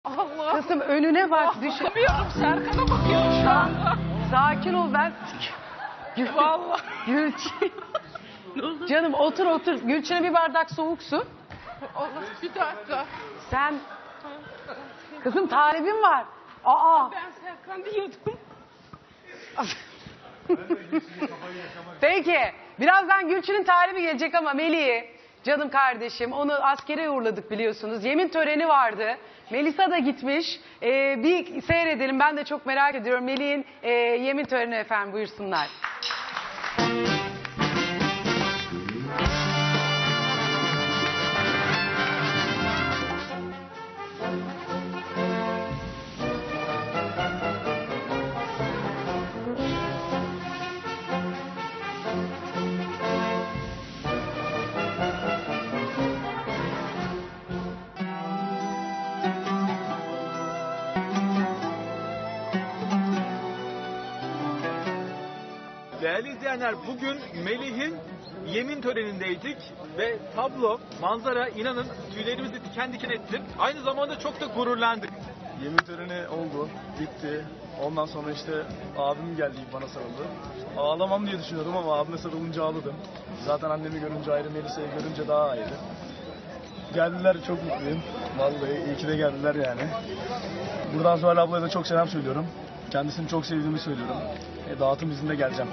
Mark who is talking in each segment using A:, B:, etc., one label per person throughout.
A: Allah.
B: Kızım önüne bak. Düşün.
A: Bakamıyorum, Serkan'a bakıyorum şu anda.
B: Sakin ol ben.
A: Vallahi.
B: Gülçin. Canım otur otur. Gülçin'e bir bardak soğuk su.
A: Allah, bir dakika.
B: Sen... Kızım talibim var. Aa.
A: Ben Serkan diyordum.
B: Peki. Birazdan Gülçin'in talibi gelecek ama Melih'i, canım kardeşim, onu askere uğurladık biliyorsunuz. Yemin töreni vardı. Melisa da gitmiş. Bir seyredelim. Ben de çok merak ediyorum. Melih'in yemin töreni efendim, buyursunlar.
C: Değerli izleyenler, bugün Melih'in yemin törenindeydik ve tablo, manzara inanın tüylerimizi diken diken etti. Aynı zamanda çok da gururlandık.
D: Yemin töreni oldu, bitti. Ondan sonra işte abim geldi, bana sarıldı. Ağlamam diye düşünüyordum ama abime sarılınca ağladım. Zaten annemi görünce ayrı, Melisa'yı görünce daha ayrı. Geldiler, çok mutluyum. Vallahi iyi ki de geldiler yani. Buradan Zuhal ablaya da çok selam söylüyorum. Kendisini çok sevdiğimi söylüyorum. Dağıtım izinde geleceğim.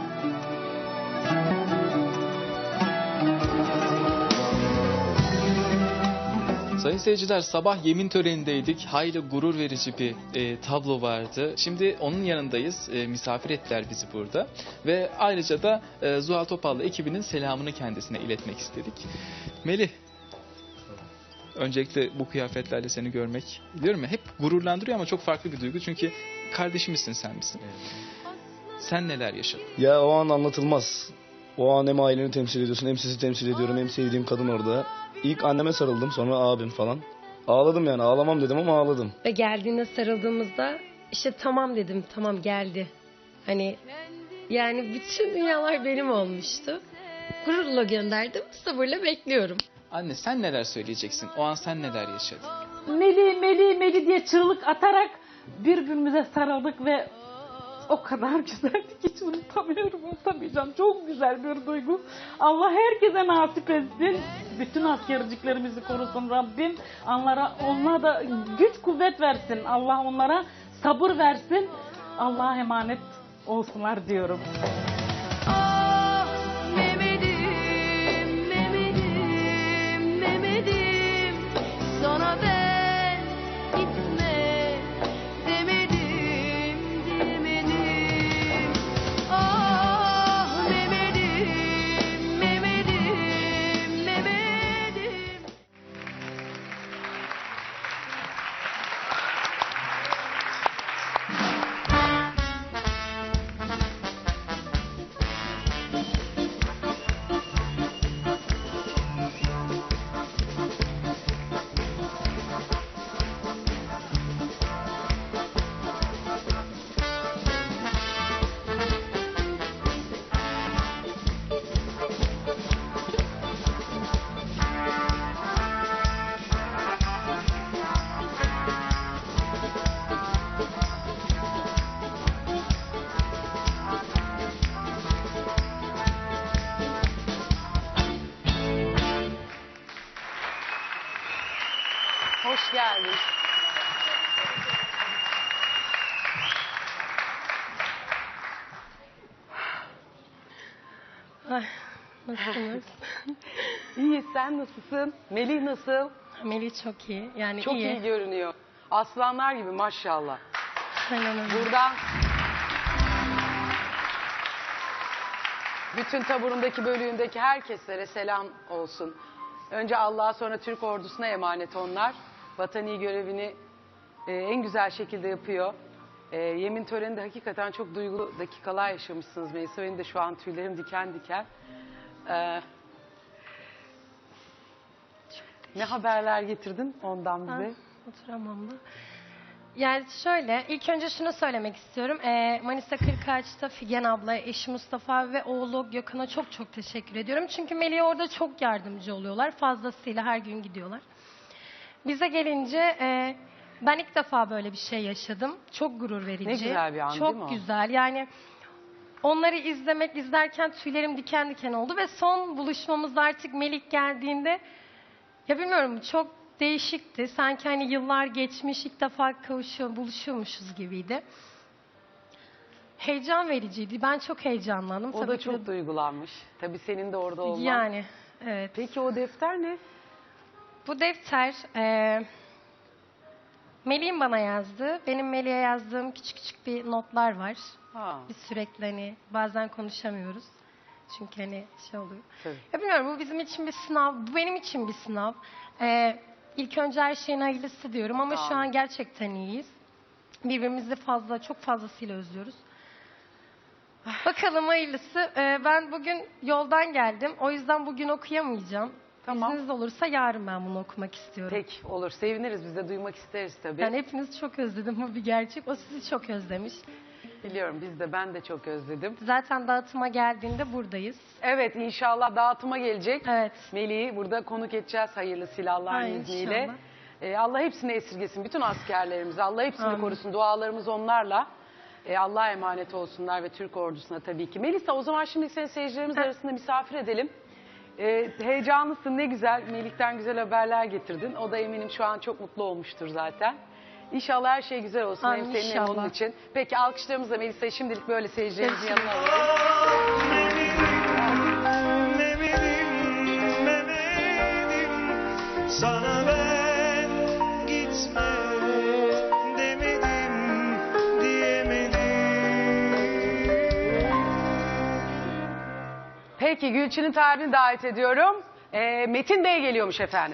E: Sayın seyirciler, sabah yemin törenindeydik. Hayli gurur verici bir tablo vardı. Şimdi onun yanındayız. Misafir ettiler bizi burada. Ve ayrıca da Zuhal Topal'la ekibinin selamını kendisine iletmek istedik. Melih, öncelikle bu kıyafetlerle seni görmek, biliyorum ya, hep gururlandırıyor ama çok farklı bir duygu. Çünkü kardeşimizsin, sen misin? Evet. Sen neler yaşadın?
D: Ya o an anlatılmaz. O an hem aileni temsil ediyorsun, hem sizi temsil ediyorum, hem sevdiğim kadın orada. İlk anneme sarıldım, sonra abim falan. Ağladım yani, ağlamam dedim ama ağladım.
F: Ve geldiğinde sarıldığımızda işte tamam dedim, tamam geldi. Hani yani bütün dünyalar benim olmuştu. Gururla gönderdim, sabırla bekliyorum.
E: Anne, sen neler söyleyeceksin? O an sen neler yaşadın?
G: Meli Meli Meli diye çığlık atarak birbirimize sarıldık ve o kadar güzeldi ki hiç unutamıyorum, unutamayacağım. Çok güzel bir duygu. Allah herkese nasip etsin. Bütün askerciklerimizi korusun Rabbim. Onlara da güç kuvvet versin. Allah onlara sabır versin. Allah'a emanet olsunlar diyorum.
H: Sana ben gitme demedim, demedim. Ah Mehmet'im, Mehmet'im, Mehmet'im.
B: Hoş geldin.
F: Ay, nasılsınız?
B: İyi, sen nasılsın? Melih nasıl?
F: Melih çok iyi. Yani
B: Çok iyi görünüyor. Aslanlar gibi maşallah.
F: Aynen öyle.
B: Buradan bütün taburundaki, bölüğündeki herkeslere selam olsun. Önce Allah'a, sonra Türk ordusuna emanet onlar. Vatani görevini en güzel şekilde yapıyor. Yemin töreninde hakikaten çok duygulu dakikalar yaşamışsınız Melisa. Benim de şu an tüylerim diken diken. Ne haberler getirdin ondan bize?
F: Oturamam da. Yani şöyle, ilk önce şunu söylemek istiyorum. Manisa Kırkağaç'ta Figen abla, eşi Mustafa ve oğlu Gökhan'a çok çok teşekkür ediyorum. Çünkü Melih'e orada çok yardımcı oluyorlar. Fazlasıyla her gün gidiyorlar. Bize gelince Ben ilk defa böyle bir şey yaşadım. Çok gurur verici.
B: Ne güzel bir an,
F: Çok
B: değil mi o?
F: güzel. Yani onları izlerken tüylerim diken diken oldu ve son buluşmamızda artık Melik geldiğinde ya bilmiyorum çok değişikti. Sanki hani yıllar geçmiş ilk defa buluşuyormuşuz gibiydi. Heyecan vericiydi. Ben çok heyecanlandım.
B: O
F: Tabii
B: da
F: ki
B: çok duygulanmış. Tabii senin de orada olman.
F: Yani evet.
B: Peki o defter ne?
F: Bu defter Melih'in bana yazdığı, benim Melih'e yazdığım küçük küçük bir notlar var.
B: Ha.
F: Biz sürekli hani bazen konuşamıyoruz. Çünkü hani şey oluyor.
B: Tabii.
F: Ya bilmiyorum bu bizim için bir sınav, bu benim için bir sınav. İlk önce her şeyin hayırlısı diyorum ama şu
B: Tamam.
F: an gerçekten iyiyiz. Birbirimizi çok fazlasıyla özlüyoruz. Bakalım hayırlısı. Ben bugün yoldan geldim. O yüzden bugün okuyamayacağım.
B: Tamam.
F: İzniniz olursa yarın ben bunu okumak istiyorum.
B: Peki olur. Seviniriz. Biz de duymak isteriz tabii.
F: Ben hepinizi çok özledim. Bu bir gerçek. O sizi çok özlemiş.
B: Biliyorum ben de çok özledim.
F: Zaten dağıtıma geldiğinde buradayız.
B: Evet inşallah dağıtıma gelecek.
F: Evet.
B: Melih'i burada konuk edeceğiz hayırlısıyla Allah'ın
F: Ay,
B: izniyle.
F: inşallah.
B: Allah hepsini esirgesin. Bütün askerlerimizi Allah hepsini
F: Amin.
B: korusun. Dualarımız onlarla. Allah'a emanet olsunlar ve Türk ordusuna tabii ki. Melisa o zaman şimdi seni seyircilerimiz arasında misafir edelim. Heyecanlısın ne güzel. Melih'ten güzel haberler getirdin. O da eminim şu an çok mutlu olmuştur zaten. İnşallah her şey güzel olsun.
F: Amin,
B: Hem senin hem onun
F: inşallah.
B: için. Peki alkışlarımızla Melisa'yı şimdilik böyle seyircilerimizin yanına alalım.
I: Sana ben gitme demedim, diyemedim.
B: Peki Gülçin'in talibini davet ediyorum. Metin Bey geliyormuş efendim.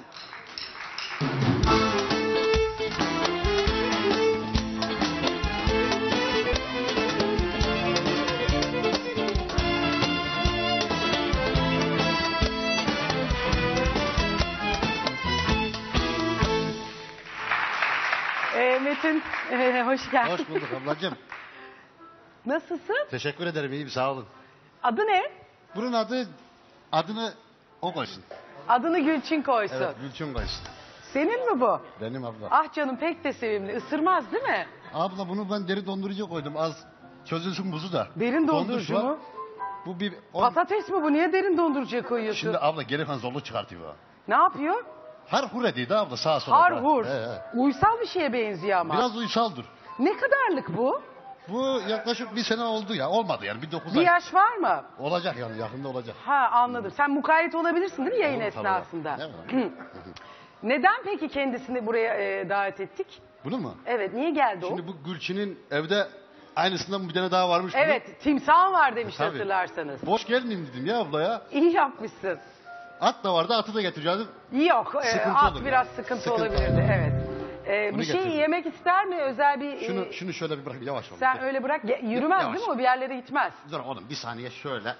B: Metin hoş geldin.
J: Hoş bulduk ablacığım.
B: Nasılsın?
J: Teşekkür ederim, iyiyim, sağ olun.
B: Adı ne?
J: Bunun adını o koysun.
B: Adını Gülçin koysun.
J: Evet, Gülçin koysun.
B: Senin mi bu?
J: Benim abla.
B: Ah canım pek de sevimli. Isırmaz değil mi?
J: Abla bunu ben deri dondurucuya koydum. Az çözülsün buzu da.
B: Derin
J: Dondurucu
B: dondurucu
J: var.
B: mu?
J: Bu bir...
B: Patates mi bu? Niye derin dondurucuya koyuyorsun?
J: Şimdi abla geri kan zorluk çıkartıyor.
B: Ne yapıyor?
J: Harhur ediydi abla sağa sola.
B: Harhur.
J: He, he.
B: Uysal bir şeye benziyor ama.
J: Biraz uysaldır.
B: Ne kadarlık bu?
J: Bu yaklaşık bir sene oldu ya. Olmadı yani, bir 9
B: Bir
J: ay.
B: yaş var mı?
J: Olacak yani, yakında olacak.
B: Ha anladım. Sen mukayyet olabilirsin değil mi yayın
J: Olur tabii.
B: esnasında?
J: Ne var?
B: Neden peki kendisini buraya davet ettik?
J: Bunu mu?
B: Evet niye geldi o?
J: Şimdi bu Gülçin'in evde aynısından bir tane daha varmış. bunun.
B: Evet timsah var demiş
J: Tabii.
B: hatırlarsanız.
J: Boş gelmeyeyim dedim ya abla ya.
B: İyi yapmışsın.
J: At da vardı, atı da getireceğim.
B: Yok
J: Sıkıntı
B: at
J: olur
B: biraz
J: yani.
B: sıkıntı
J: Sıkıntı
B: olabilirdi
J: olur.
B: evet.
J: Bunu
B: Bir şey
J: getirdim.
B: yemek ister mi özel bir...
J: Şunu şöyle bir bırakayım, yavaş ol.
B: Sen öyle bırak yürümez
J: Yavaş.
B: değil mi o bir yerlere gitmez.
J: Dur oğlum bir saniye şöyle.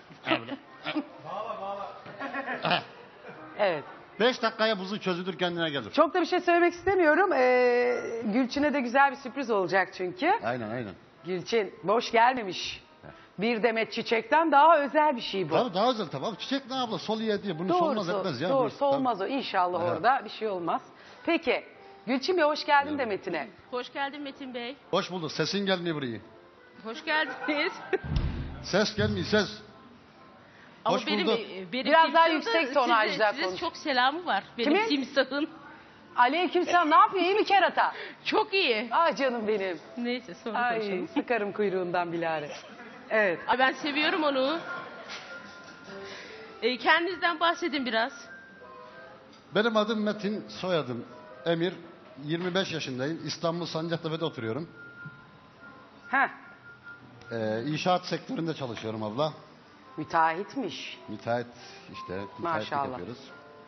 B: Evet.
J: 5 dakikaya buzu çözülür, kendine gelir.
B: Çok da bir şey söylemek istemiyorum. Gülçin'e de güzel bir sürpriz olacak çünkü.
J: Aynen.
B: Gülçin boş gelmemiş. Bir demet çiçekten daha özel bir şey bu.
J: Tabii daha güzel tabii. Çiçek ne abla, sol ye diye. Bunu solmaz etmez ya.
B: Doğru
J: Bu-
B: solmaz o inşallah
J: Evet.
B: orada bir şey olmaz. Peki Gülçin Bey hoş geldin de Metin'e.
A: Hoş geldin Metin Bey.
J: Tabii. Hoş bulduk. Sesin gelmiyor buraya.
A: Hoş geldiniz.
J: Ses gelmiyor, ses.
A: Ama
J: Hoş
A: benim,
J: bulduk.
A: benim
B: Biraz daha
A: timsahın
B: yüksek
A: da
B: tonajda
A: size
B: konuş.
A: çok selamı var. Benim
B: Kimin?
A: timsahın.
B: Aleykümselam ne yapıyor iyi mi kerata?
A: Çok iyi.
B: Ay canım benim.
A: Neyse sonra
B: Ay
A: konuşalım.
B: sıkarım kuyruğundan bilare. Evet.
A: Ay, ben seviyorum onu. Kendinizden bahsedin biraz.
J: Benim adım Metin, soyadım Emir. 25 yaşındayım. İstanbul Sancaktepe'de oturuyorum.
B: Heh,
J: İnşaat sektöründe çalışıyorum abla.
B: müteahhitmiş.
J: Müteahhit işte. Müteahhitlik
B: Maşallah.
J: yapıyoruz.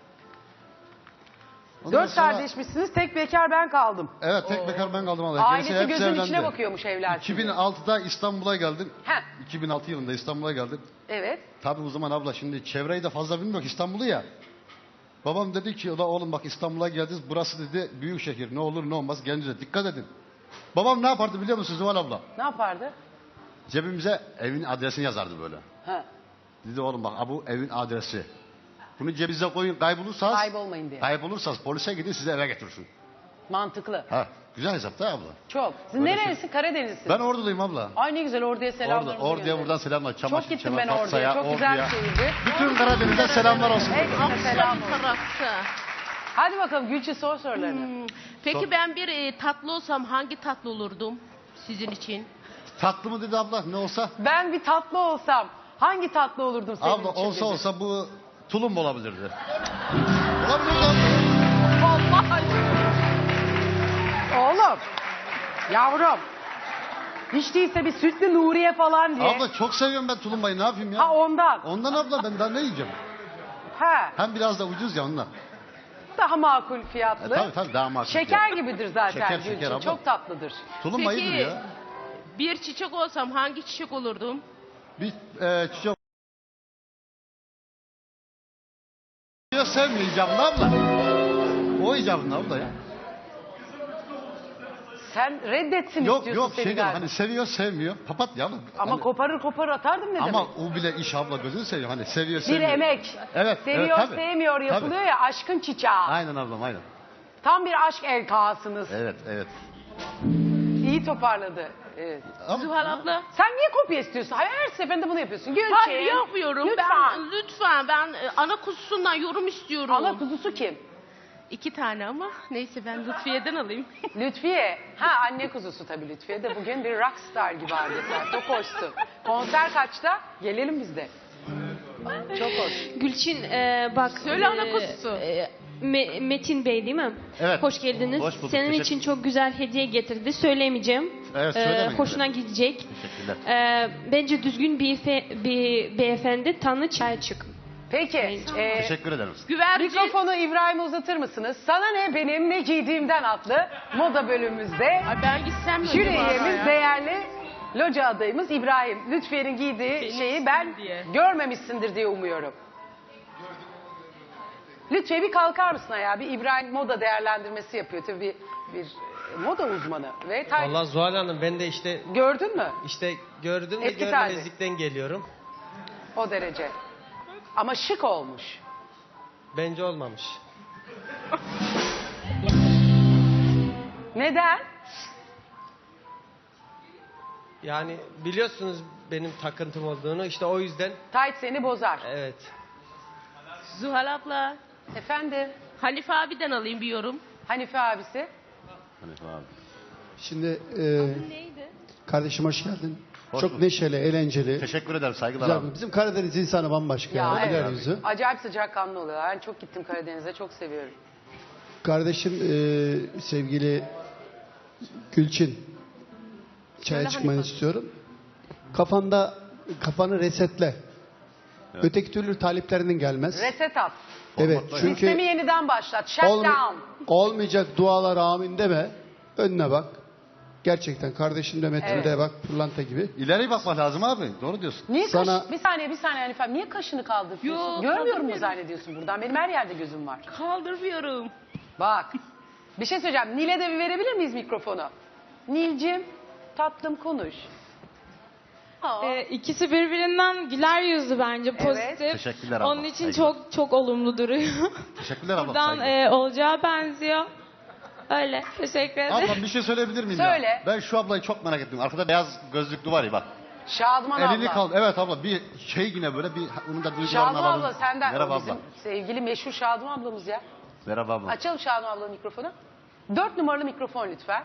J: Ondan
B: 4
J: sonra-
B: kardeşmişsiniz tek bekar ben kaldım.
J: Evet, tek bekar ben kaldım abla.
B: Ailesi
J: Gerisi hepsi
B: gözünün
J: evlendi.
B: içine bakıyormuş evler.
J: 2006'da İstanbul'a geldim.
B: Heh,
J: 2006 yılında İstanbul'a geldim.
B: evet.
J: Tabii o zaman abla şimdi çevreyi de fazla bilmiyor ki, İstanbul'u ya. Babam dedi ki "Ulan oğlum bak İstanbul'a geldiniz, burası dedi büyük şehir, ne olur ne olmaz kendinize dikkat edin." Babam ne yapardı biliyor musun Zuhal abla?
B: Ne yapardı?
J: Cebimize evin adresini yazardı böyle.
B: Ha,
J: Dedi oğlum bak bu evin adresi. Bunu cebinize koyun, kaybolursanız
B: kaybolmayın diye.
J: kaybolursanız polise gidin, sizi eve getirsin.
B: Mantıklı.
J: Ha. Güzel hesap da abla.
B: Çok. Siz nerelisin? Karadenizlisin.
J: Ben Orduluyum abla.
B: Ay ne güzel Ordu'ya selamlarımızı
J: Ordu'ya
B: gönderin.
J: buradan selamlar. Çamaşır,
B: Çok gittim
J: Çemen,
B: ben Ordu'ya.
J: Fatsa'ya,
B: Çok güzel bir
J: Ordu'ya.
B: şehirdi.
J: Bütün Karadeniz'e selamlar olsun.
B: Hepsine selam
A: Bir
B: olsun.
A: tarafta.
B: Hadi bakalım Gülçin sor sorularını.
A: Peki
J: Sor.
A: ben bir tatlı olsam hangi tatlı olurdum sizin için?
J: Tatlı mı dedi abla ne olsa?
B: Ben bir tatlı olsam hangi tatlı olurdum senin
J: Abla
B: için
J: olsa
B: dedi.
J: olsa bu tulum olabilirdi. Olabilirdi abla.
B: Vallahi. Oğlum. Yavrum. Hiç değilse bir sütlü Nuriye falan diye.
J: Abla çok seviyorum ben tulumbayı ne yapayım ya?
B: Ha ondan.
J: Ondan abla ben daha ne yiyeceğim?
B: Ha.
J: Hem biraz da ucuz ya ondan.
B: Daha makul fiyatlı.
J: Tabii daha makul.
B: Şeker gibidir zaten
J: Şeker,
B: Gülçin.
J: şeker abla.
B: Çok tatlıdır.
J: Tulumba
A: Peki
J: iyidir ya.
A: bir çiçek olsam hangi çiçek olurdum?
J: Bir çiçek... Sevmiyor icabını abla. O icabını abla ya.
B: Sen reddetsin
J: Yok
B: istiyorsun
J: yok
B: seni
J: şey diyorum
B: galiba.
J: hani seviyor sevmiyor. Papatya abla.
B: Ama
J: Hani-
B: koparır atardım ne
J: Ama
B: demek?
J: o bile iş abla gözünü seviyor. Hani seviyor
B: Bir
J: sevmiyor.
B: emek.
J: Evet.
B: Seviyor
J: evet, tabii.
B: sevmiyor yapılıyor
J: Tabii.
B: ya aşkın çiçeği.
J: Aynen ablam aynen.
B: Tam bir aşk elkasınız.
J: Evet.
B: İyi toparladı. Evet.
J: Ama-
A: Zuhal abla.
B: Sen niye kopya istiyorsun? Hayır, her seferinde bunu yapıyorsun. Gülçin.
A: Hayır yapmıyorum.
B: Lütfen.
A: Lütfen ben ana kuzusundan yorum istiyorum.
B: Ana kuzusu kim?
A: 2 tane ama neyse ben Lütfiye'den alayım.
B: Lütfiye. Ha anne kuzusu tabii Lütfiye de bugün bir rockstar gibi adeta. Çok hoştu. Konser kaçta? Gelelim biz de. Çok hoş.
K: Gülçin bak.
A: Söyle ana kuzusu.
K: Metin Bey değil mi?
J: Evet.
K: Hoş geldiniz.
J: Hoş bulduk,
K: Senin
J: teşekkür-
K: için çok güzel hediye getirdi. Söylemeyeceğim.
J: Evet, söylemeyin.
K: Hoşuna gidecek.
J: Teşekkürler.
K: Bence düzgün bir beyefendi tanı çay çık.
B: Peki.
J: Teşekkür ederim.
A: Güvercin.
B: Mikrofonu İbrahim'e uzatır mısınız? Sana ne benim ne giydiğimden adlı moda bölümümüzde
A: Ay ben gitsem mi
B: jüri
A: acaba
B: üyemiz
A: ya?
B: değerli loca adayımız İbrahim. Lütfiye'nin giydiği
A: Benim
B: şeyi
A: için
B: ben
A: diye.
B: görmemişsindir diye umuyorum. Lütfiye bir kalkar mısın ayağa? Bir İbrahim moda değerlendirmesi yapıyor. Tabii bir moda uzmanı. Ve
L: Vallahi Zuhal Hanım ben de işte
B: gördün mü?
L: Gördüm ve
B: Eski
L: görmemezlikten geliyorum.
B: O derece. Ama şık olmuş.
L: Bence olmamış.
B: Neden?
L: Yani biliyorsunuz benim takıntım olduğunu işte o yüzden
B: Tayt seni bozar.
L: evet.
A: Zuhal abla.
B: Efendim?
A: Halife abiden alayım bir yorum.
B: Hanife abisi.
M: Şimdi
A: Neydi?
M: kardeşim hoş geldin.
J: Hoş
M: Çok
J: bulduk.
M: neşeli, eğlenceli.
J: Teşekkür ederim saygılar
M: Güzel.
J: abi.
M: Bizim Karadeniz insanı bambaşka.
B: Ya,
M: güler
B: evet.
M: yüzü.
B: Acayip sıcakkanlı oluyorlar. Ben çok gittim Karadeniz'e. Çok seviyorum.
M: Kardeşim sevgili Gülçin. Çaya
A: Söyle
M: çıkmanı
A: Hanife.
M: istiyorum. Kafanı resetle. Öteki türlü taliplerinin gelmez.
B: Reset at.
M: Evet
B: Sistemi
M: çünkü
B: yeniden başlat. Shut down.
M: olmayacak dualar amin deme. Önüne bak. Gerçekten kardeşim de Metin de bak pırlanta gibi.
J: İleri bakmak lazım abi. Doğru diyorsun.
B: Niye
M: Sana-
B: Bir saniye Hanifem. Niye kaşını kaldırıyorsun?
A: Yok,
B: Görmüyorum mu
A: kaldırmıyorum.
B: zannediyorsun buradan? Benim her yerde gözüm var.
A: Kaldırmıyorum.
B: Bak. Bir şey söyleyeceğim. Nil'e de bir verebilir miyiz mikrofonu? Nil'cim tatlım konuş.
N: İkisi birbirinden güler yüzlü bence pozitif.
J: Teşekkürler abla,
N: Onun için
J: saygılar.
N: çok olumlu duruyor.
J: Teşekkürler ablam.
N: Buradan
J: saygılar.
N: olacağı benziyor. Öyle. Teşekkür ederim.
J: Ablam bir şey söyleyebilir miyim
B: Söyle.
J: ya? Ben şu ablayı çok merak ettim. Arkada beyaz gözlüklü var ya bak.
B: Şadıman
J: Elini
B: abla.
J: kaldı. Evet abla bir şey yine böyle bir onun da duygularını
B: Şadıman
J: alalım.
B: abla senden.
J: Merhaba
B: O bizim
J: abla.
B: sevgili meşhur Şadıman ablamız ya.
J: Merhaba abla.
B: Açalım Şadıman ablanın mikrofonu. 4 numaralı mikrofon lütfen.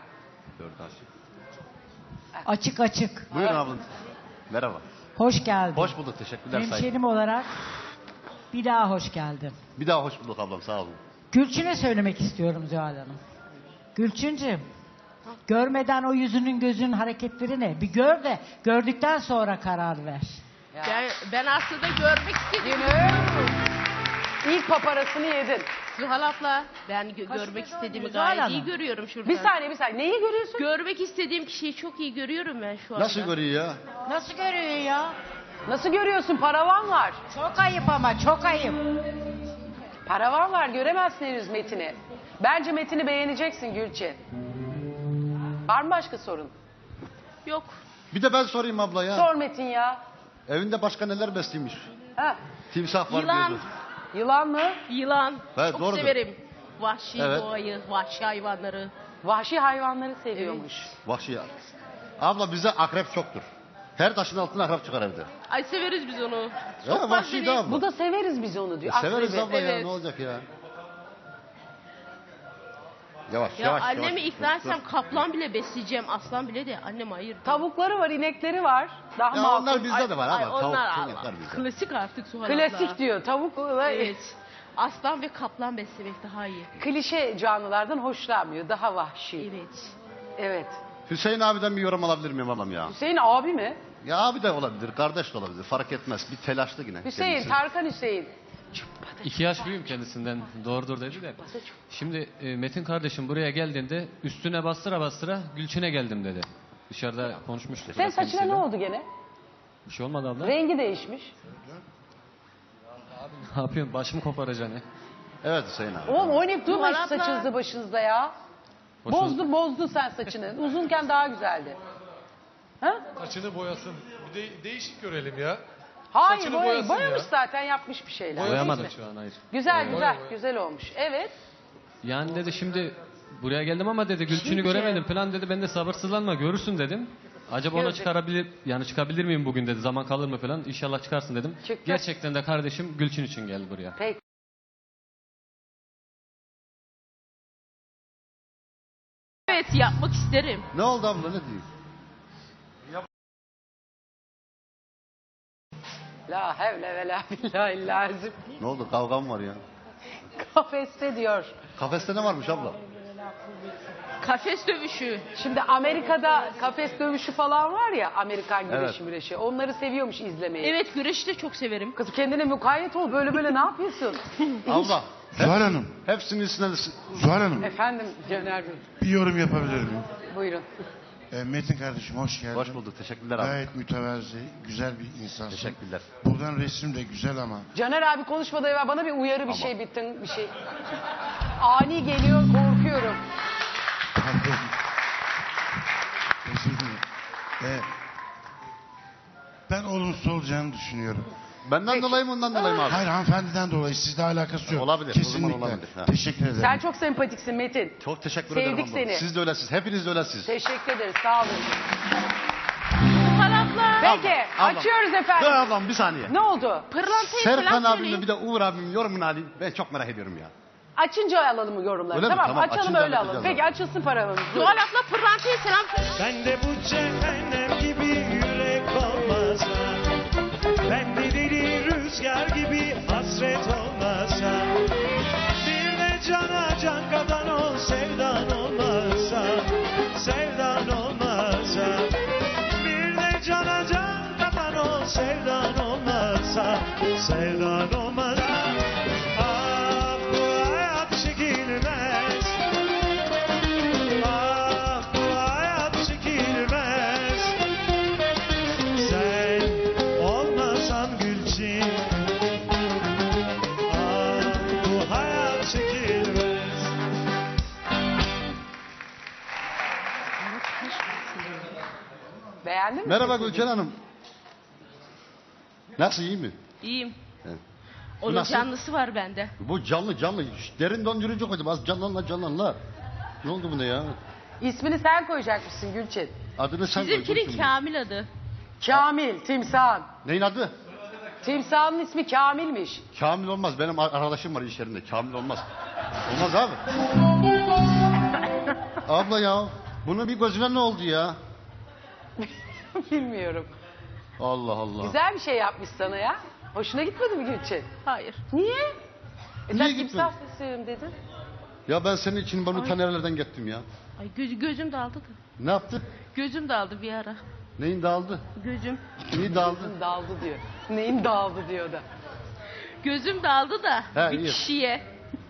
O: Açık açık.
J: Buyurun ablam. Merhaba.
O: Hoş geldin.
J: Hoş bulduk. Teşekkürler. Saygılar.
O: Hemşerim olarak bir daha hoş geldin.
J: Bir daha hoş bulduk ablam. Sağ olun.
O: Gülçin'e söylemek istiyorum Zuhal Hanım. Gülçinciğim, görmeden o yüzünün gözünün hareketleri ne? Bir gör de gördükten sonra karar ver.
A: Ben aslında görmek istedim.
B: İlk paparasını yedin.
A: Zuhal abla ben görmek istediğimi
O: Zuhal
A: gayet
O: Hanım.
A: iyi görüyorum şuradan.
B: Bir saniye. Neyi görüyorsun?
A: Görmek istediğim kişiyi çok iyi görüyorum ben şu anda.
J: Nasıl görüyor ya?
O: Nasıl görüyor ya?
B: Nasıl görüyorsun? Paravan var.
O: Çok ayıp ama çok ayıp.
B: Paravan var. Göremezsin henüz Metin'i. Bence Metin'i beğeneceksin Gülçin. Var mı başka sorun?
A: Yok.
J: Bir de ben sorayım abla ya.
B: Sor Metin ya.
J: Evinde başka neler besliymiş?
B: Ha.
J: Timsah var
A: Yılan.
J: diyordu.
B: Yılan mı?
A: Yılan.
J: Evet,
A: çok
J: doğrudur.
A: severim. Vahşi
J: Evet.
A: doğayı, vahşi hayvanları.
B: Vahşi hayvanları seviyormuş.
J: Vahşi ya. Abla bize akrep çoktur. Her taşın altına akrep çıkar evde.
A: Ay severiz biz onu.
J: Ya vahşi de abla.
B: Bu da severiz biz onu diyor.
J: Severiz
B: Akrebi.
J: abla ya,
A: Evet.
J: ne olacak ya. Yavaş
A: Ya
J: yavaş.
A: annemi
J: yavaş.
A: ikna etsem kaplan bile besleyeceğim. Aslan bile de annem hayır.
B: Tavukları var, inekleri var. Daha
J: Ya
B: makul.
J: onlar bizde de var
A: Ay,
J: ama tavuk
A: onlar
J: çok
A: Allah.
J: yapar bizde.
A: Klasik artık Suhal abla.
B: Klasik diyor. Tavukla
A: Evet. Aslan ve kaplan beslemek daha iyi.
B: klişe canlılardan hoşlanmıyor. Daha vahşi.
A: Evet.
B: Evet.
J: Hüseyin abiden bir yorum alabilir miyim ablam ya?
B: Hüseyin abi mi?
J: Ya abi de olabilir, kardeş de olabilir. Fark etmez. Bir telaşlı yine.
B: Hüseyin,
J: kendisi.
B: Tarkan Hüseyin.
P: 2 yaş büyüğüm kendisinden. Doğrudur dedi de. Şimdi Metin kardeşim buraya geldiğinde üstüne bastıra bastıra Gülçin'e geldim dedi. Dışarıda konuşmuştuk.
B: Senin
P: biraz
B: saçına
P: kendisiyle.
B: ne oldu gene?
P: Bir şey olmadı abla.
B: Rengi değişmiş.
P: Ne yapıyorsun? Başımı koparacaksın ya.
J: Evet Hüseyin abi.
B: Oğlum oynayıp durma şu
A: Suhal abla.
B: saçınızı başınızda ya. Bozdun sen saçını. Uzunken daha güzeldi. Ha?
Q: Saçını boyasın. Bir de değişik görelim ya.
B: Hayır
Q: Saçını boyasın
B: boyamış
Q: ya.
B: zaten, yapmış bir şeyler.
P: Boyamadım
B: Neyse.
P: şu an, hayır.
B: Güzel
Q: Boya,
B: güzel
Q: boya.
B: güzel olmuş. Evet.
P: Yani dedi şimdi buraya geldim ama dedi Gülçin'i göremedim falan dedi. Ben de sabırsızlanma görürsün dedim. Acaba ona
B: Görecek.
P: çıkabilir miyim bugün dedi. Zaman kalır mı falan. İnşallah çıkarsın dedim.
B: Çıktı.
P: Gerçekten de kardeşim Gülçin için geldi buraya.
B: Peki.
A: Evet yapmak isterim.
J: Ne oldu abla, ne diyeyim?
B: La hevle ve la billahi lazım.
J: Ne oldu, kavga mı var ya?
B: Kafeste diyor.
J: Kafeste ne varmış abla?
A: Kafes dövüşü.
B: Şimdi Amerika'da kafes dövüşü falan var ya, Amerikan güreşi
J: Evet.
B: müreşi. Onları seviyormuş izlemeyi.
A: Evet güreşi de çok severim.
B: Kız kendine mukayyet ol, böyle ne yapıyorsun?
J: Abla.
R: Zuhal Hanım,
J: Hepsinin üstüne
R: Zuhal Hanım
B: Efendim Caner Bey.
R: bir yorum yapabilir miyim?
B: Buyurun.
R: Metin kardeşim hoş geldin.
J: Hoş bulduk, teşekkürler abi.
R: Gayet mütevazi, güzel bir insansın.
J: Teşekkürler.
R: Buradan resim de güzel ama
B: Caner abi konuşmadan evvel bana bir uyarı bir şey bittin bir şey. Ani geliyor, korkuyorum.
R: pardon. Özür dilerim. Ben olumsuz olacağını düşünüyorum.
J: Benden dolayı mı, ondan dolayı mı abi?
R: Hayır, hanımefendiden dolayı, sizle alakası yok.
J: Olabilir, o
R: Kesinlikle.
J: zaman olabilir. Ha.
R: Teşekkür ederim.
B: Sen çok sempatiksin Metin.
J: Çok teşekkür
B: Sevdik
J: ederim abla.
B: seni.
J: Siz de öylesiniz, hepiniz de öylesiniz.
B: Teşekkür ederiz, sağ olun.
A: Suhal abla.
B: Peki,
J: ablam.
B: açıyoruz efendim.
J: Dur ablam bir saniye.
B: Ne oldu?
A: Pırlantayı
J: Serkan
A: falan
J: abimle
A: söyleyin.
J: bir de Uğur abimin yorumunu alayım. Ben çok merak ediyorum ya.
B: Açınca alalım mı yorumları?
J: Öyle mi?
B: Tamam,
J: Tamam,
B: açalım
J: açınca
B: öyle alalım.
J: halledeceğiz
B: Peki açılsın paramız.
A: Suhal abla pırlantayı selam söyle.
I: Ben de bu cehennem gibi yürek olmasa, ben de deli rüzgar gibi hasret olmasa, bir de cana can kadan ol sevdan olmasa, sevdan olmasa, bir de cana can kadan ol sevdan olmasa, sevdan olmasa. Ah bu hayat çekilmez. Ah bu hayat çekilmez. Sen olmasan Gülçin. Ah bu hayat çekilmez.
B: Beğendin mi?
J: Merhaba
B: sesini?
J: Gülçen Hanım. Nasıl, iyi mi?
A: İyiyim.
J: Evet.
A: Onun
J: nasıl?
A: canlısı var bende.
J: Bu canlı. Derin dondurucu koydum. Az canlanla. Ne oldu buna ya?
B: İsmini sen koyacakmışsın Gülçin.
J: Adını sen koy.
A: Bizimkinin
J: Gülçin.
A: Kamil adı.
B: Kamil, timsahın.
J: Neyin adı?
B: Timsahın ismi Kamil'miş.
J: Kamil olmaz. Benim arkadaşım var iş yerinde. Kamil olmaz. Olmaz abi. Abla ya. Bunun bir gözüne ne oldu ya?
B: Bilmiyorum.
J: Allah Allah.
B: Güzel bir şey yapmış sana ya. Hoşuna gitmedi mi Gülçin?
A: Hayır.
B: Niye?
J: Niye
B: Sen
J: gitmedi?
B: timsah sesiyim dedin.
J: Ya ben senin için bunu ta nerelerden gettim ya.
A: Ay gözüm dağıldı da.
J: Ne yaptı?
A: Gözüm dağıldı bir ara.
J: Neyin dağıldı?
A: Gözüm.
J: Neyi dağıldı?
B: Gözüm dağıldı diyor. Neyin dağıldı diyor da.
A: Gözüm dağıldı da
J: He,
A: bir
J: iyi.
A: kişiye.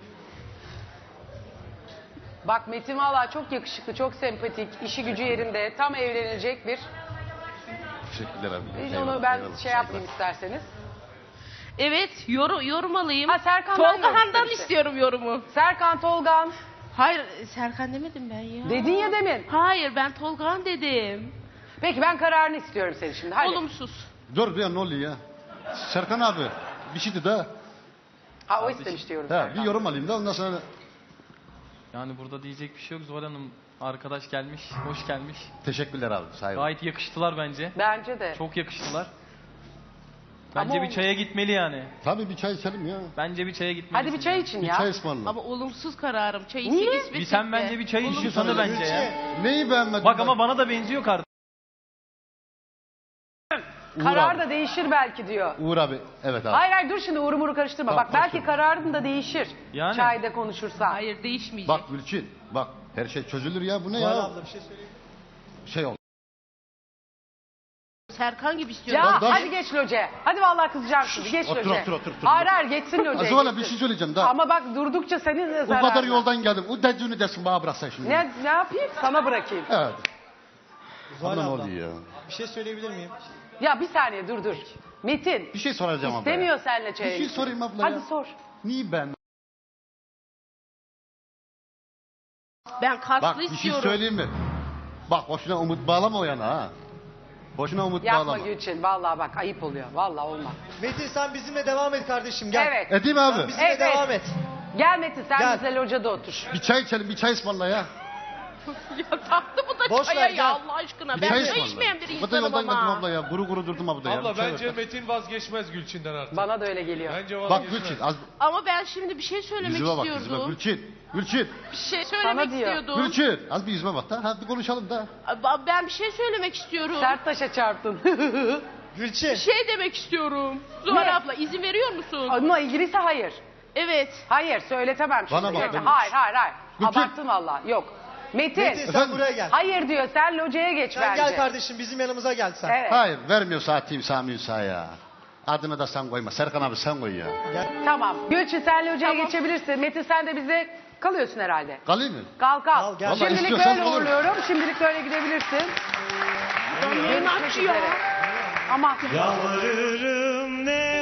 B: Bak Metin valla çok yakışıklı, çok sempatik, işi gücü yerinde, tam evlenecek bir.
J: Teşekkürler abi.
B: Biz
J: Eyvallah,
B: onu ben
J: eyvallah.
B: şey yapmayayım isterseniz.
A: Evet yorum alayım.
B: Ha Serkan'dan yorum
A: Tolga Han'dan
B: istemişti.
A: istiyorum yorumu.
B: Serkan, Tolgan.
A: Hayır Serkan demedim ben ya.
B: Dedin ya demin.
A: Hayır ben Tolga Han dedim.
B: Peki ben kararını istiyorum senin şimdi. Hadi.
A: Olumsuz.
J: Dur ya, ne oluyor ya? Serkan abi bir şeydi de.
B: Ha o istemiş diyorum.
J: Ha, bir yorum alayım da ondan sonra.
P: Yani burada diyecek bir şey yok. Zuhal Hanım arkadaş gelmiş, hoş gelmiş.
J: Teşekkürler abi. Saygı.
P: Gayet yakıştılar bence.
B: Bence de.
P: Çok yakıştılar. Bence
B: Ama
P: bir çaya gitmeli yani.
J: Tabii bir çay içelim ya.
P: Bence bir çaya gitmeli.
B: Hadi bir çay için
J: Bir
B: ya.
J: çay ısmarla.
A: Ama olumsuz kararım. Çayı
B: Niye?
A: içsek
P: Bir sen bence bir çay içiyorsan da bence ya.
J: Neyi beğenmedin?
P: Bak ama bana da benziyor kardeşim.
B: Karar da değişir belki diyor.
J: Uğur abi. Evet abi.
B: Hayır dur şimdi Uğur'u karıştırma.
J: Tamam,
B: Bak belki
J: karıştırma.
B: kararın da değişir.
P: Yani.
B: Çayda konuşursan.
A: Hayır değişmeyecek.
J: Bak Gülçin. Bak her şey çözülür ya. Bu ne ya?
Q: abla bir şey söyleyeyim.
J: Şey ol.
A: Serkan gibi istiyorum.
B: Ya
J: Dur.
B: hadi geç loce. Hadi vallahi kızacağım şimdi. Geç
J: Otur,
B: loce.
J: otur.
B: Hayır hayır geçsin loce.
J: Zuhal'a bir şey söyleyeceğim daha.
B: Ama bak durdukça senin de
J: O
B: zararın.
J: kadar yoldan geldim. O dediğini desin bana bıraksan şimdi.
B: Ne yapayım? Sana bırakayım.
J: Evet.
Q: Zuhal
J: Bana ne
Q: abla.
J: oluyor ya?
Q: Bir şey söyleyebilir miyim?
B: Ya bir saniye dur. Metin.
J: Bir şey soracağım abla.
B: İstemiyor seninle
J: Bir
B: çaya
J: şey
B: gitmek.
J: sorayım abla
B: Hadi
J: ya.
B: sor.
J: Niye ben?
A: Ben kaslı
J: Bak bir şey
A: istiyorum.
J: söyleyeyim mi? Bak boşuna umut bağlama o yana ha. Boşuna umut
B: Yapma
J: bağlama.
B: Gülçin. Vallahi bak ayıp oluyor. Vallahi olmaz.
Q: Metin sen bizimle devam et kardeşim gel.
B: Evet.
J: Edeyim abi.
Q: Sen bizimle
B: Evet.
Q: devam et.
B: Gel Metin sen
Q: Gel.
B: bizle locada otur.
J: Bir çay içelim, bir çay ısmarla ya.
A: Ya taktı bu da
Q: Boş
A: çaya
Q: ver,
A: ya
Q: gel.
A: Allah aşkına.
J: Bir
A: Ben
J: çay
A: çay
J: ısmarla.
A: içmeyen bir
J: Bu da
A: insanım
J: yoldan geldim
A: ama.
J: abla ya. Guru guru durdum abla ya.
Q: Abla
J: Bir çay
Q: bence
J: ver.
Q: Metin vazgeçmez Gülçin'den artık.
B: Bana da öyle geliyor.
Q: Bence
J: Bak
Q: vazgeçmez.
J: Gülçin az
A: Ama ben şimdi bir şey söylemek
J: yüzüme bak yüzüme.
A: istiyordum.
J: Gülçin.
A: Bir şey
B: Sana
A: söylemek
B: diyor.
A: istiyordum.
J: Gülçin. Az bir yüzüme bak da. Hadi konuşalım da.
A: Ben bir şey söylemek istiyorum.
B: Sert taşa çarptın.
Q: Gülçin.
A: Bir şey demek istiyorum. Zuhal abla izin veriyor musun?
B: Onunla ilgiliyse hayır.
A: Evet.
B: Hayır söyletemem şimdi.
J: Bana bak,
B: Yeter.
J: ben-
B: Hayır.
J: Gülçin.
B: Abarttın valla. Yok. Metin.
Q: Metin sen
J: Efendim?
Q: buraya gel.
B: Hayır diyor sen locaya geç
Q: Sen
B: bence.
Q: gel kardeşim bizim yanımıza gel sen.
B: Evet.
J: Hayır vermiyor saatiyim Sami Üsa ya. Adını da sen koyma. Serkan abi sen koy ya.
B: Tamam. Gülçin sen locaya geçebilirsin. Metin sen de bize kalıyorsun herhalde.
J: Kalayım mı?
B: Kal.
Q: Kal, gel.
J: Vallahi
B: Şimdilik
J: istiyorsan
B: öyle
J: olur.
B: uğurluyorum. Şimdilik böyle gidebilirsin.
A: Neyim
B: Görüşmek
A: açıyor?
B: üzere. Aman.
I: Yalvarırım ne